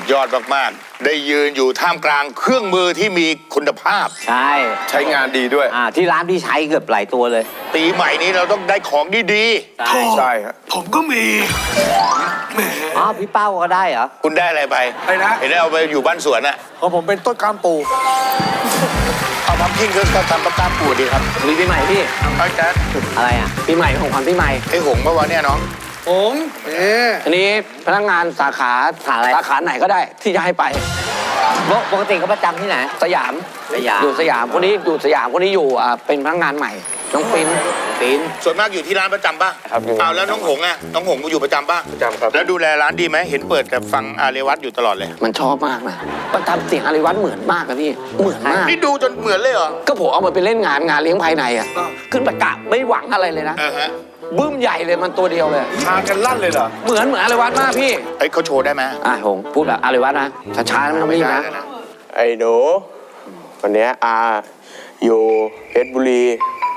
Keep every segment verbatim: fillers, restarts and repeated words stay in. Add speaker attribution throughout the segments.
Speaker 1: ยอดมากๆได้ยืนอยู่ท่ามกลางเครื่องมือที่มีคุณภาพ
Speaker 2: ใช่
Speaker 3: ใช้งานดีด้วย
Speaker 2: อ่าที่ร้านพี่ใช้เกือบหลายตัวเลย
Speaker 1: ปีใหม่นี้เราต้องได้ของดี
Speaker 3: ๆใช่ใช่ครับ
Speaker 4: ผมก็มีแหม
Speaker 2: อ๋อพี่เป้าก็ได้เหรอ
Speaker 1: คุณได้อะไรไป
Speaker 4: อะไรนะ
Speaker 1: เห็นได้เอาไปอยู่บ้านสวนอะ
Speaker 4: ของผมเป็นต้นกล้ามปู
Speaker 1: เอาพัมคินก็ทำประกามปูดีครับ
Speaker 2: มีปีใหม่พี่
Speaker 1: เอาแจ๊ด
Speaker 2: อะไรอ่ะปีใหม่ของขวัญปีใหม่
Speaker 1: ไอ้หงเมื่อวานเนี่ยน้อง
Speaker 4: ผมเอ๊ะ
Speaker 2: อันนี้พนักงานสาขาสาสาขาไหนก็ได้ที่จะให้ไปปกติเขาประจำที่ไหนสยามสยามอยู่สยามคนนี้อยู่สยามคนนี้อยู่อ่าเป็นพนักงานใหม่น้องปิ้นปิ้น
Speaker 1: ส่วนมากอยู่ที่ร้านประจำป่ะ
Speaker 3: ครับ
Speaker 1: เอาแล้วน้องหงอะน้องหงอยู่ประจำป่ะ
Speaker 3: ประจำครับ
Speaker 1: แล้วดูแลร้านดีไหมเห็นเปิดกับฟังอาเรวัตอยู่ตลอดเลย
Speaker 2: มันชอบมากนะมันทำเสียงอาเรวัตเหมือนมากอะพี่เหมือนมาก
Speaker 1: นี่ดูจนเหมือนเลยเหรอ
Speaker 2: ก็ผมเอามาไปเล่นงานงานเลี้ยงภายในอะขึ้นประกาศไม่หวังอะไรเลยนะบึ้มใหญ่เลยมันตัวเดียวเลย
Speaker 4: ชากันลั่นเลยเหรอ
Speaker 2: เหมือนเหมือนอาเรวัตมากพี่
Speaker 1: ไอ้เขาโชว์ได้ไหม
Speaker 2: อ่ะหงพูดแบบอาเรวัตนะช้าๆไม่ได้นะ
Speaker 3: ไอ้หนูวันนี้อาอยู่เพชรบุรี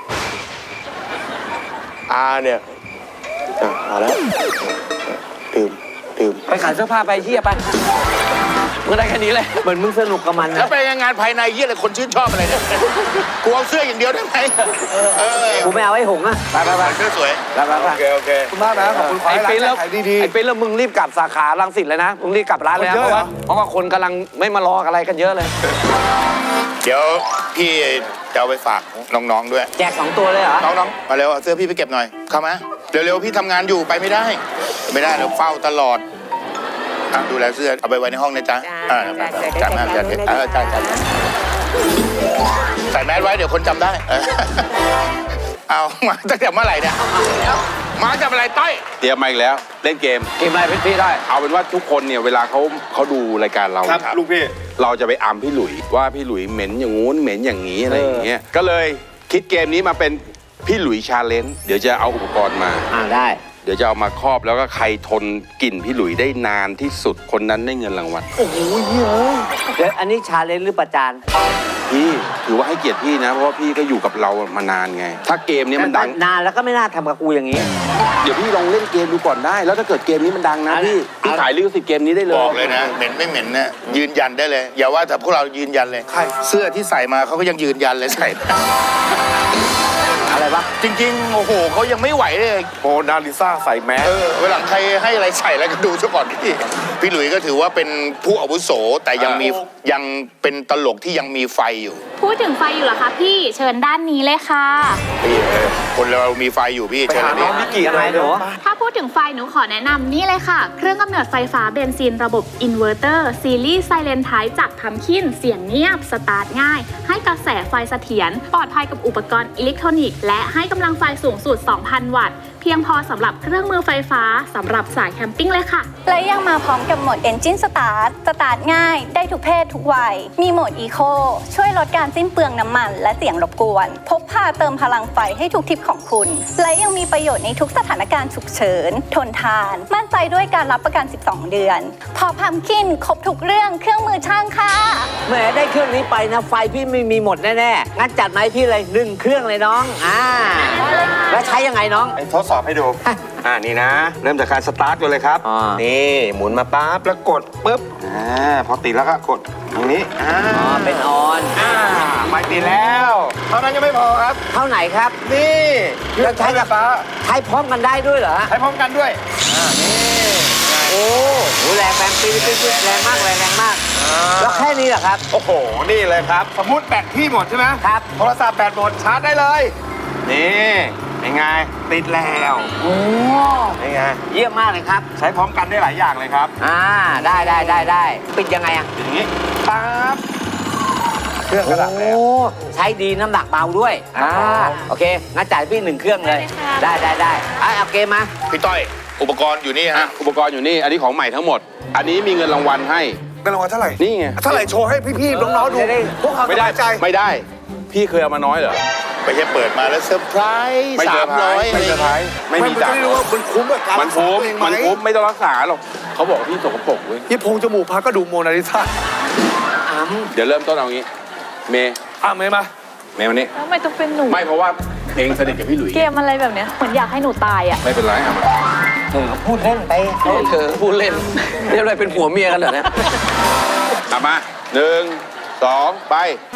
Speaker 3: อาเนี่ยอ่ะมาแล้วดื่มดื่ม
Speaker 2: ไปขายเสื้อผ้าไปเฮียไปมึงได้แค่นี้เลยเหมือนมึงสนุกกับมัน
Speaker 1: แล้วไปงานภายในเยี่ยอะไรคนชื่นชอบอะไรเนี่ยกูเอาเสื้ออย่างเดียวได้ไหม
Speaker 2: กูไม่เอาไอ้หงอะ
Speaker 1: ไปไปไปเสื้อสวย
Speaker 2: ไปไปไป
Speaker 3: โอเคโอเค
Speaker 4: ขอบคุณมากนะขอบคุณไอ้
Speaker 2: ปิ้นแล้วไอ้ปิ้นแล้วมึงรีบกลับสาขารังสิตเลยนะมึงรีบกลับร้านเลยนะเพราะว่าเพราะว่าคนกำลังไม่มารออะไรกันเยอะเลย
Speaker 1: เดี๋ยวพี่จะเอาไปฝากน้องๆด้วย
Speaker 2: แจกสองตัวเลยเหรอ
Speaker 1: น้องๆมาเร็วเอาเสื้อพี่ไปเก็บหน่อยเข้ามาเร็วๆพี่ทำงานอยู่ไปไม่ได้ไม่ได้เราเฝ้าตลอดดูแลเสื้อเอาไปไว้ในห้องนะจ๊ะจัดมากจัดเออจัดจัดใส่แมสไว้เดี๋ยวคนจำได้เอามาตั้งแต่เมื่อไหร่เนี่ยมาจากอะไรต้อย
Speaker 5: เตรียมมาอีกแล้วเล่นเกม
Speaker 2: เกมอะไรพี่ได้
Speaker 5: เอาเป็นว่าทุกคนเนี่ยเวลาเขาเขาดูรายการเรา
Speaker 3: ครับลูกพี่
Speaker 5: เราจะไปอัมพี่หลุยว่าพี่หลุยเหม็นอย่างงู้นเหม็นอย่างนี้อะไรอย่างเงี้ยก็เลยคิดเกมนี้มาเป็นพี่หลุยชาเลนจ์เดี๋ยวจะเอาอุปกรณ์มา
Speaker 2: อ่าได้
Speaker 5: เดี๋ยวจะเอามาครอบแล้วก็ใครทนกลิ่นพี่หลุยได้นานที่สุดคนนั้นได้เงินรางวัล
Speaker 2: โอ้โหเยอะเดี๋ยวอันนี้ชาเลนจ์หรือประจาน
Speaker 5: พี่ถือว่าให้เกียรติพี่นะเพราะว่าพี่ก็อยู่กับเรามานานไงถ้าเกมนี้มันดัง
Speaker 2: นานแล้วก็ไม่น่าทำกับกูอย่างนี้
Speaker 5: เดี๋ยวพี่ลองเล่นเกมดูก่อนได้แล้วถ้าเกิดเกมนี้มันดังนะพี่พี่ขายลิขสิทธิ์เกมนี้ได้เลย
Speaker 1: บอกเลยนะเหม็นไม่เหม็นนะยืนยันได้เลยอย่าว่าแต่พวกเรายืนยันเลยเสื้อที่ใส่มาเขาก็ยังยืนยันเลยใส่
Speaker 2: อะไรวะ
Speaker 1: จริงๆโอ้โหเขายังไม่ไหวเลย
Speaker 3: โมนาลิซาใส่แมส
Speaker 1: เออเวลาใครให้อะไรใส่แล้วก็ดูซะก่อนพี่พี่หลุยก็ถือว่าเป็นผู้อาวุโสแต่ยังมียังเป็นตลกที่ยังมีไฟอยู่
Speaker 6: พูดถึงไฟอยู่เหรอคะพี่เชิญด้านนี้เลยค่ะ
Speaker 1: พี่คนเรามีไฟอยู่พี่
Speaker 3: เชิญน้องมิกิอะไรหนู
Speaker 6: ถ้าพูดถึงไฟหนูขอแนะนำนี่เลยค่ะเครื่องกำเนิดไฟฟ้าเบนซินระบบอินเวอร์เตอร์ซีรีส์ไซเลนไทป์จากพัมคินเสียงเงียบสตาร์ทง่ายให้กระแสไฟเสถียรปลอดภัยกับอุปกรณ์อิเล็กทรอนิกส์และให้กำลังไฟสูงสุด สองพัน วัตต์เพียงพอสำหรับเครื่องมือไฟฟ้าสำหรับสายแคมปิ้งเลยค่ะ
Speaker 7: และยังมาพร้อมกับโหมด Engine Start สตาร์ทง่ายได้ทุกเพศทุกวัยมีโหมด Eco ช่วยลดการสิ้นเปลืองน้ำมันและเสียงรบกวนพกพาเติมพลังไฟให้ทุกทริปของคุณและยังมีประโยชน์ในทุกสถานการณ์ฉุกเฉินทนทานมั่นใจด้วยการรับประกันสิบสองเดือนพอพัมคินครบทุกเรื่องเครื่องมือช่างค่ะ
Speaker 2: แหมได้เครื่องนี้ไปนะไฟพี่ไม่มีหมดแน่ๆงั้นจัดมาให้พี่เลยหนึ่งเครื่องเลยน้องอ่าแล้วใช้ยังไงน้อง
Speaker 3: ทดสอบให้ดูอ่านี่นะเริ่มจากการสตาร์ทกันเลยครับนี่หมุนมาปั๊บแล้วกดปุ๊บอ่าพอติดแล้วก็กดตรงนี้อ่า
Speaker 2: เป็นออน
Speaker 3: อ่าไม่ติดแล้วเท่านั้นยังไม่พอครับ
Speaker 2: เท่าไหนครับ
Speaker 3: นี่
Speaker 2: แล้วใช้กับใช้พร้อมกันได้ด้วยเหรอ
Speaker 3: ใช้พร้อมกันด้วยอ่านี่
Speaker 2: โอ้โหแรงแรงปี๊ดปี๊ดแรงมากแรงแรงมากแล้วแค่นี้เหรอครับ
Speaker 3: โอ้โหนี่เลยครับสมมติแบตพี่หมดใช่ไหม
Speaker 2: ครับ
Speaker 3: โทรศัพท์แบตหมดชาร์จได้เลยนี่ยังไงติดแล้ว
Speaker 2: โอ้
Speaker 3: ยังไง
Speaker 2: เยี่ยมมากเลยครับ
Speaker 3: ใช้พร้อมกันได้หลายอย่างเลยครับ
Speaker 2: อ่าได้ได้ได้ได้ปิดยังไงอ่ะ
Speaker 3: ปิดอย่างนี้ปั๊บเครื่องกระดับแล้ว
Speaker 2: โอ้ใช้ดีน้ำหนักเบาด้วยอ่าโอเคงั้นจ่ายพี่หนึ่งเครื่องเลยได้ได้ได้เอาเกมมา
Speaker 1: พี่ต้อยอุปกรณ์อยู่นี่ฮะ
Speaker 5: อุปกรณ์อยู่นี่อันนี้ของใหม่ทั้งหมดอันนี้มีเงินรางวัลให้
Speaker 4: เงินรางวัลเท่าไหร่
Speaker 5: นี่ไง
Speaker 4: เท่าไหร่โชว์ให้พี่ๆน้องๆดูพวกเขา
Speaker 5: ไม่ได้ไม่ได้พี่เคยเอามาน้อยเหรอ
Speaker 1: ไม่ใช่เปิดมาแล้วเซอร์ไพรส์สามร้อย
Speaker 5: ไม่เซอร์ไพรส์ไม่มีจ่าย
Speaker 4: ไม่รู้ว่ามันคุ้มกับการ
Speaker 5: มันคุ้มมันคุ้มไม่ต้องรักษาหรอกเขาบอกพี่สกปรกเว้ย
Speaker 4: พี่พงจมูกพักก็ดูโมนาลิซา
Speaker 5: เดี๋ยวเริ่มต้นเอางี้เมย์
Speaker 4: อ่ะเมย์มา
Speaker 5: เมย์วันนี้
Speaker 6: ทำไมต้องเป็นหนู
Speaker 5: ไม่เพราะว่าเองสนิทกับพี่หลุย
Speaker 6: เกมอะไรแบบเนี้ยเหมือนอยากให้หนูตายอ่ะ
Speaker 5: ไม่เป็นไรอ่ะมา
Speaker 2: เธอพูดเล่นไปเธอพูดเล่นเรียกอะไรเป็นผัวเมียกันเหรอเนี่ย
Speaker 5: กลับมาหนึ่งสองไป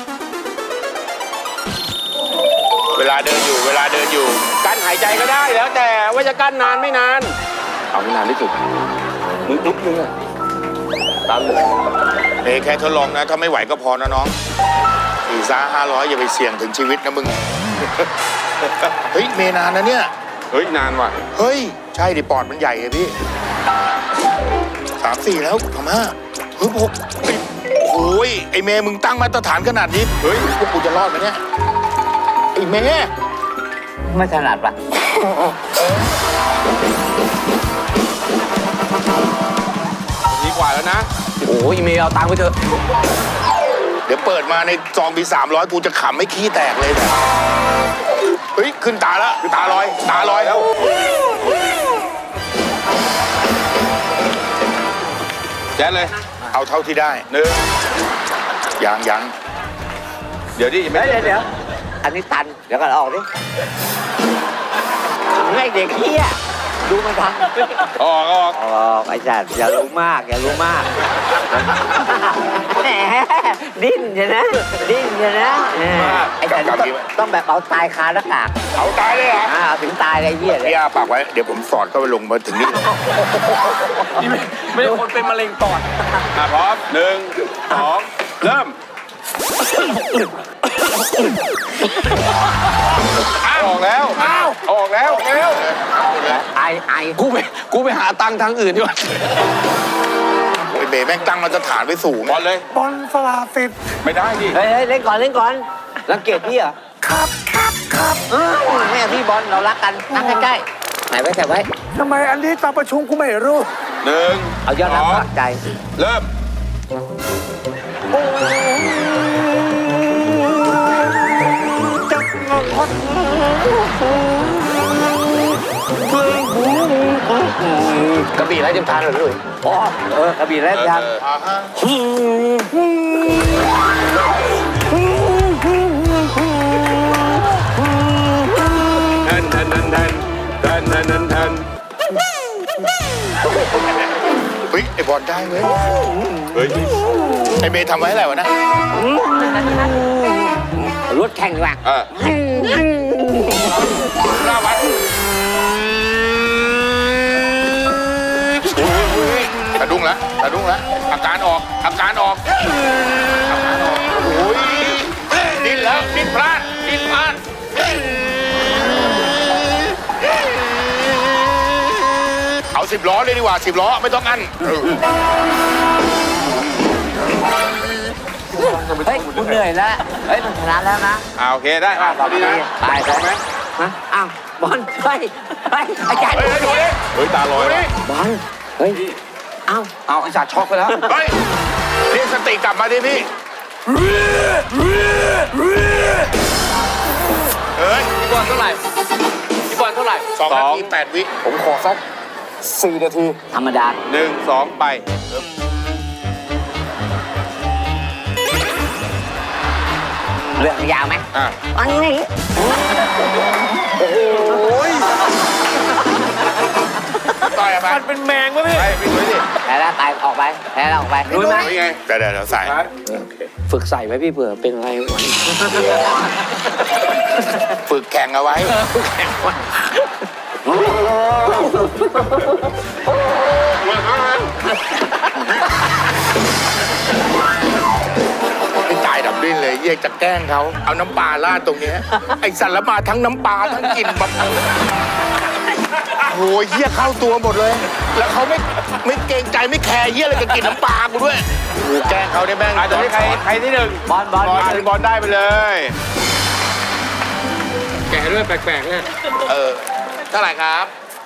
Speaker 1: เวลาเดินอยู่ เวลาเดินอยู่
Speaker 5: กั้นหายใจก็ได้แล้วแต่ว่าจะกั้นนานไม่นาน เอาไม่นานที่สุดมึงลุกมึงอะตามเลย
Speaker 1: เอ้แค่ทดลองนะ ถ้าไม่ไหวก็พอนะน้องสี่ซ่าห้าร้อยอย่าไปเสี่ยงถึงชีวิตนะมึง เฮ้ย เมนานนะเนี่ย
Speaker 5: เฮ้ยนานว่ะ
Speaker 1: เฮ้ย ใช่ดิปอดมันใหญ่ไงพี่สามสี่แล้วทำห้าเฮ้ยหกเฮ้ยโอ้ยไอเมย์มึงตั้งมาตรฐานขนาดนี้ เฮ้ย พวกกูจะรอดไหมเนี่ย ไอเมย์
Speaker 2: ไม่ถนัดปะ
Speaker 5: ดีกว่าแล้วนะ
Speaker 2: โอ้ยเมย์เอาตังค์ไปเถอะ
Speaker 1: เดี๋ยวเปิดมาในซองมีสามร้อยกูจะขำไม่ขี้แตกเลยเนี่ยเฮ้ย ขึ้นตาแล้วตาลอย ตาลอยแล้ว
Speaker 5: แจ๊ดเลย
Speaker 1: เอาเท่าที่ได้
Speaker 5: หนึ่ง
Speaker 1: ยังยัง
Speaker 5: เดี๋ยวดิยังไม่
Speaker 2: เดี๋ยวเดี๋ยวอันนี้ตัน เดี๋ยวก่อนออกดิให้เด็กเฮียดูมันทำ
Speaker 5: ออกออก
Speaker 2: ออกไอ้จัดอย่ารู้มาก อย่ารู้มากแหมดิ้นอย่านะดิ้นอย่านะไอ้จัดต้องต้องแบบเอาตายคาหน้ากาก
Speaker 1: เอาตายเลยเหรอ
Speaker 2: อ่าเอาถึงตายเลยไอ้เหี้ยเลย
Speaker 1: พี่อาปากไว้ เดี๋ยวผมสอดก็ไปลงมาถึงนี่เลย
Speaker 4: ไม่ได้คนเป็นมะเร็งปอด
Speaker 5: อ่ะพร้อมหนึ่งสองเริ่มออกแล้วออกแล้วเร็ว
Speaker 2: ไอไอ
Speaker 4: กูไปกูไปหาตังค์ทางอื่นดีกว่า
Speaker 1: โอ้ยเบแม่งตั้งมาตรฐานไว้สูง
Speaker 5: บอลเลย
Speaker 4: บอลสลาสิทธิ์
Speaker 5: ไม่ได้ดิ
Speaker 2: เฮ้ยเฮ้ยเล่นก่อนเล่นก่อนรังเกียจพี่เหรอ
Speaker 4: ครับครับครับ
Speaker 2: เออแม่พี่บอลเรารักกันนั่งใกล้ๆไหนไว้แต่ไว้
Speaker 4: ทำไมอันนี้ตามประชุมกูไม่รู้
Speaker 5: หนึ่ง
Speaker 2: เอายอด
Speaker 5: ส
Speaker 2: รัก
Speaker 5: อง
Speaker 2: ปักใจ
Speaker 5: เริ่ม
Speaker 2: กระบี่ไร้เทียมทานเหรอพี่หลุยอ๋อเออกระบี่ไร้เทียมทาน
Speaker 1: อ่าฮะ
Speaker 5: เทินเทินเทินเทินเทินเทินเทินเทิน
Speaker 1: เฮ้ย ไอบอลได้เว้ย
Speaker 5: เฮ้ย
Speaker 1: ไอเบทำไว้อะไรวะนะ
Speaker 2: รถแข่งดีกว่า
Speaker 5: เออหน้าวัด
Speaker 1: สะดุ้งละสะดุ้งละอาการออก อาการออก อาการออก โอ้ยดิ้นแล้ว ดิ้นพลาด ดิ้นพลาด เอาสิบล้อเลยดีกว่าสิบล้อไม่ต้องอั้นเออ
Speaker 2: เฮ้ยคุณเหนื่อยแล้วเฮ้ยมันชนะแล้วนะ
Speaker 5: อ่าโอเคได้อ่ะตอนนี้นะ
Speaker 2: ตาย
Speaker 5: พร้อมไหม
Speaker 2: ฮะอ้าวบอลเฮ้ยเฮ้ยอาจารย์
Speaker 1: เฮ้ยดูดิ
Speaker 5: เฮ้ยตาลอย
Speaker 1: ดู
Speaker 5: ว่ะ
Speaker 1: ดิ
Speaker 2: บอลเฮ้ยเอ้า
Speaker 4: เอาไอ้จัดช็อกไปแล้ว
Speaker 1: เฮ้ยเรียกสติกลับมาดิพี่ เฮ้ย
Speaker 4: พี่บอลเท่าไหร่พี่บอลเท่าไหร่
Speaker 1: สองนาทีแปดวิ
Speaker 4: ผมขอสักสี่นาที
Speaker 2: ธรรมดา
Speaker 5: หนึ่งสองไป
Speaker 2: เรื่องยาวไหม
Speaker 5: อ่ะ
Speaker 2: อันนี้
Speaker 1: ต่อยอะไป
Speaker 4: มันเป็นแมงวะพี่
Speaker 1: ไปพี่ดูดิ
Speaker 2: แพ้แล้วตายออกไปแพ้แล้วออกไปรู้ไหม
Speaker 5: นี่ไง
Speaker 1: เดี๋ยวเดี๋ยวเดี๋ยวใส่
Speaker 2: ฝึกใส่ไว้พี่เผื่อเป็นอะไรวัน
Speaker 1: ฝึกแข่งเอาไว้ ไม่ตายดับดิ้นเลยเยี่ยจะแกล้งเขาเอาน้ำปลาราดตรงเนี้ยไอสัตว์ละมาทั้งน้ำปลาทั้งกลิ่นแบบโอ้ยเยี่ยเข้าตัวหมดเลย แล้วเขาไม่ไม่เกรงใจไม่แคร์เยี่ยอะไรกับกลิ่นน้ำปลากูด้วยโอ้แกล้งเขาได้แม่ง
Speaker 5: อ่ะตอนนี้ใครใครที่หนึ่ง
Speaker 2: บอลบอล
Speaker 5: บอลบอลได้ไปเลย
Speaker 4: แกด้วยแปลกๆเนี่ย
Speaker 1: เออเท่าไหร่ครับ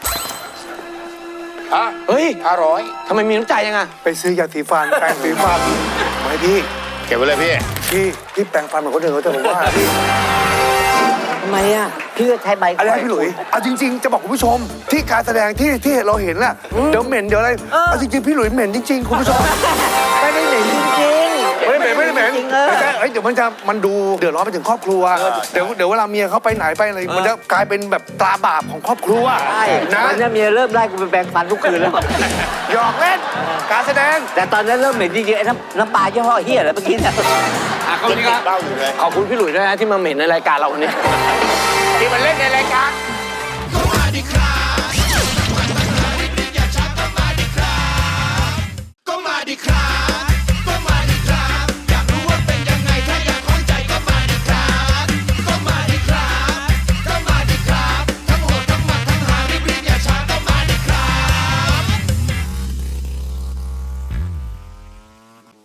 Speaker 1: ฮะ
Speaker 4: เฮ้ย
Speaker 1: ห้าร้อย
Speaker 4: ทำไมมีน้ำใจยังไงไปซื้อยาสีฟันแปรงสีฟันมาให้พี่
Speaker 1: เก็บไว้เลยพี่
Speaker 4: พี่พี่แปรงฟันเหมือนคนอื่นเขาแต่ผมว่าพี่
Speaker 2: ทำไมอ่ะพี่ก็ใช้ใบ
Speaker 4: อะไรนะพี่หลุยเอาจริง ๆ จะบอกคุณผู้ชมที่การแสดงที่ที่เราเห็นน่ะเดี๋ยวเหม็นเดี๋ยวอะไรเอาจริงๆพี่หลุยเหม็นจริงๆคุณผู้ชม
Speaker 2: ไม่ได้เหม็นจริง
Speaker 4: ไม่ได้เหม็นไม่ได้เหม็น
Speaker 2: จริงเออ
Speaker 4: ไม่ใช่เอ้ยเดี๋ยวมันจะมันดูเดือดร้อนไปถึงครอบครัว เดี๋ยวเดี๋ยวเวลาเมียเขาไปไหนไปอะไรมันจะกลายเป็นแบบตราบาปของครอบครัว
Speaker 2: ใช่
Speaker 4: นะ
Speaker 2: ตอนนี้เมียเริ่มไล่กูไปแปรงฟันทุกคืนแล้ว
Speaker 4: หยอกเล่นการแสดง
Speaker 2: แต่ตอนนั้นเริ่มเหม็นจริงๆไอ้น้ำน้ำปลายี่ห้อเฮียอะไรเมื่อกี้เนี่ย
Speaker 5: อ่ะเขานี้ครับ
Speaker 1: เล่าอยู่เลย
Speaker 2: ขอบคุณพี่หลุยส์ด้วยนะที่มาเหม็นในรายการเราวันนี้
Speaker 1: ที่มันเล่นในรายการ
Speaker 8: ก็มาดิครับ